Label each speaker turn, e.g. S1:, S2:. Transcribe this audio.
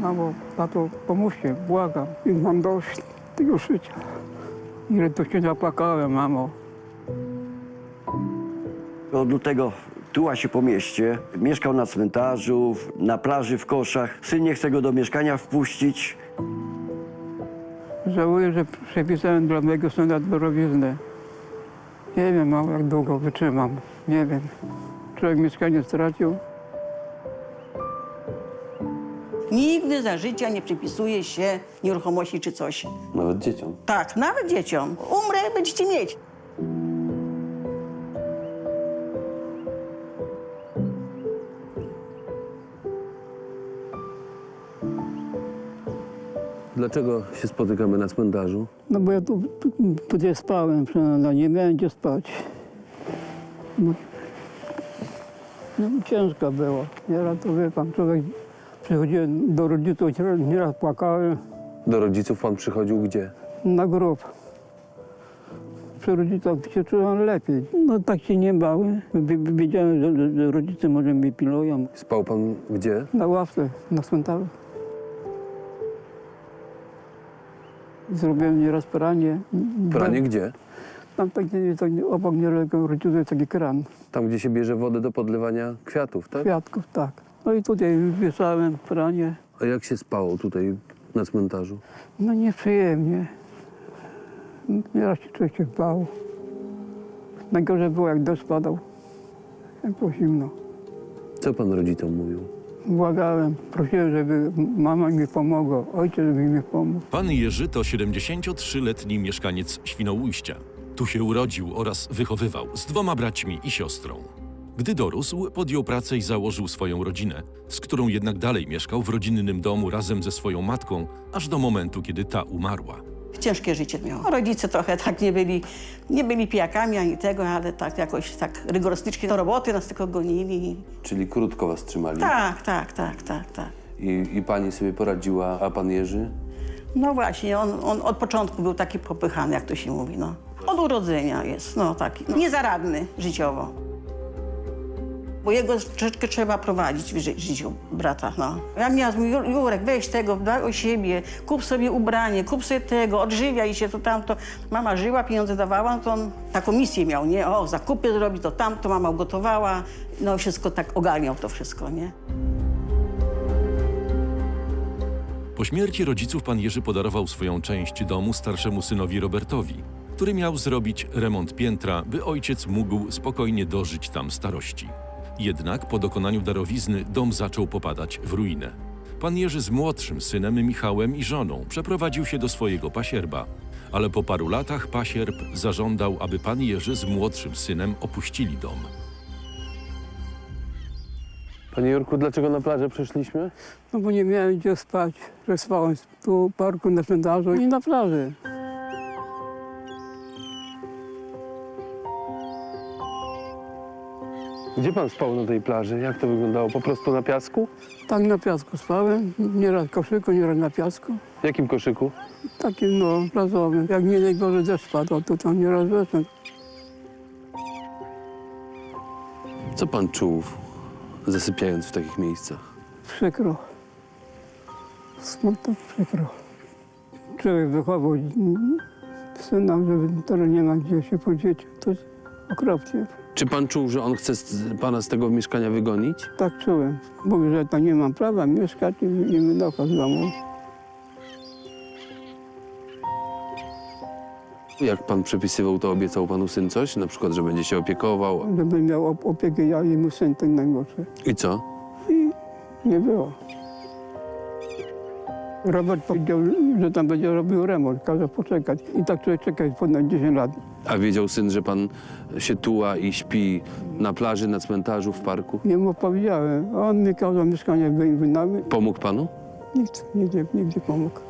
S1: mamo, tato, pomóżcie, błagam. I mam dość tego życia. Ile to się zapłakałem, mamo.
S2: Od lutego tuła się po mieście, mieszkał na cmentarzu, na plaży, w koszach. Syn nie chce go do mieszkania wpuścić.
S1: Żałuję, że przepisałem dla mojego syna dorowiznę. Nie wiem, mamo, jak długo wytrzymam. Nie wiem. Człowiek mieszkanie stracił.
S3: Nigdy za życia nie przypisuje się nieruchomości czy coś.
S4: Nawet dzieciom.
S3: Tak, nawet dzieciom. Umrę, będziecie mieć.
S4: Dlaczego się spotykamy na cmentarzu?
S1: No bo ja tu gdzie spałem, no nie miałem gdzie spać. No ciężko było. Nieraz to wie pan, człowiek przychodziłem do rodziców, nieraz płakałem
S4: Do rodziców pan przychodził gdzie?
S1: na grób. Przy rodzicach się czułem lepiej. No tak się nie bałem. Wiedziałem, że rodzice może mnie pilują.
S4: Spał pan gdzie?
S1: Na ławce, na cmentarzu. Zrobiłem nieraz pranie.
S4: Pranie gdzie?
S1: Tam tak, obok niedaleko rodziców jest taki kran.
S4: Tam, gdzie się bierze wodę do podlewania kwiatów, tak?
S1: Kwiatków, tak. No i tutaj wieszałem pranie.
S4: A jak się spało tutaj na cmentarzu?
S1: No nieprzyjemnie. Nieraz się człowiek się bał. Najgorzej było, jak deszcz padał. Jak było zimno.
S4: Co pan rodzicom mówił?
S1: Błagałem, prosiłem, żeby mama mi pomogła, ojciec żeby mi pomógł.
S5: Pan Jerzy to 73-letni mieszkaniec Świnoujścia. Tu się urodził oraz wychowywał z 2 braćmi i siostrą. Gdy dorósł, podjął pracę i założył swoją rodzinę, z którą jednak dalej mieszkał w rodzinnym domu razem ze swoją matką, aż do momentu, kiedy ta umarła.
S3: Ciężkie życie miał. Rodzice trochę tak nie byli pijakami ani tego, ale tak jakoś tak rygorystycznie do roboty nas tylko gonili.
S4: Czyli krótko was trzymali.
S3: Tak.
S4: I pani sobie poradziła, a pan Jerzy?
S3: No właśnie, on od początku był taki popychany, jak to się mówi, no. Od urodzenia jest, no taki, no, niezaradny życiowo. Bo jego troszeczkę trzeba prowadzić w życiu brata, no. Ja miałam, Jurek, weź tego, dbaj o siebie, kup sobie ubranie, kup sobie tego, odżywiaj się, to tamto. Mama żyła, pieniądze dawała, no to on taką misję miał, nie? O, zakupy zrobić, to tamto, mama ugotowała, no wszystko tak ogarniał to wszystko, nie?
S5: Po śmierci rodziców pan Jerzy podarował swoją część domu starszemu synowi Robertowi, który miał zrobić remont piętra, by ojciec mógł spokojnie dożyć tam starości. Jednak po dokonaniu darowizny dom zaczął popadać w ruinę. Pan Jerzy z młodszym synem Michałem i żoną przeprowadził się do swojego pasierba, ale po paru latach pasierb zażądał, aby pan Jerzy z młodszym synem opuścili dom.
S4: Panie Jurku, dlaczego na plażę przyszliśmy?
S1: No bo nie miałem gdzie spać. Że spałem tu w parku, na cmentarzu i na plaży.
S4: Gdzie pan spał na tej plaży? Jak to wyglądało? Po prostu na piasku?
S1: Tak na piasku spałem, nieraz w koszyku, nieraz na piasku.
S4: W jakim koszyku?
S1: Takim no, plazowym. Jak nie najgorzej deszcz padł, to tam nieraz weszłem.
S4: Co pan czuł, zasypiając w takich miejscach?
S1: Przykro. Smutno, przykro. Człowiek wychował syna, żeby teraz nie ma gdzie się podzieć. To jest okropnie.
S4: Czy pan czuł, że on chce pana z tego mieszkania wygonić?
S1: Tak czułem. Mówię, że tam nie mam prawa mieszkać i wynocha z domu.
S4: Jak pan przepisywał, to obiecał panu syn coś? Na przykład, że będzie się opiekował?
S1: Żeby miał opiekę ja i mój syn, ten najmłodszy.
S4: I co?
S1: I nie było. Robert powiedział, że tam będzie robił remont, kazał poczekać. I tak człowiek czeka ponad 10 lat.
S4: A wiedział syn, że pan się tuła i śpi na plaży, na cmentarzu, w parku?
S1: Nie mu powiedziałem. On mi kazał mieszkanie wynająć.
S4: Pomógł panu?
S1: Nikt nie pomógł.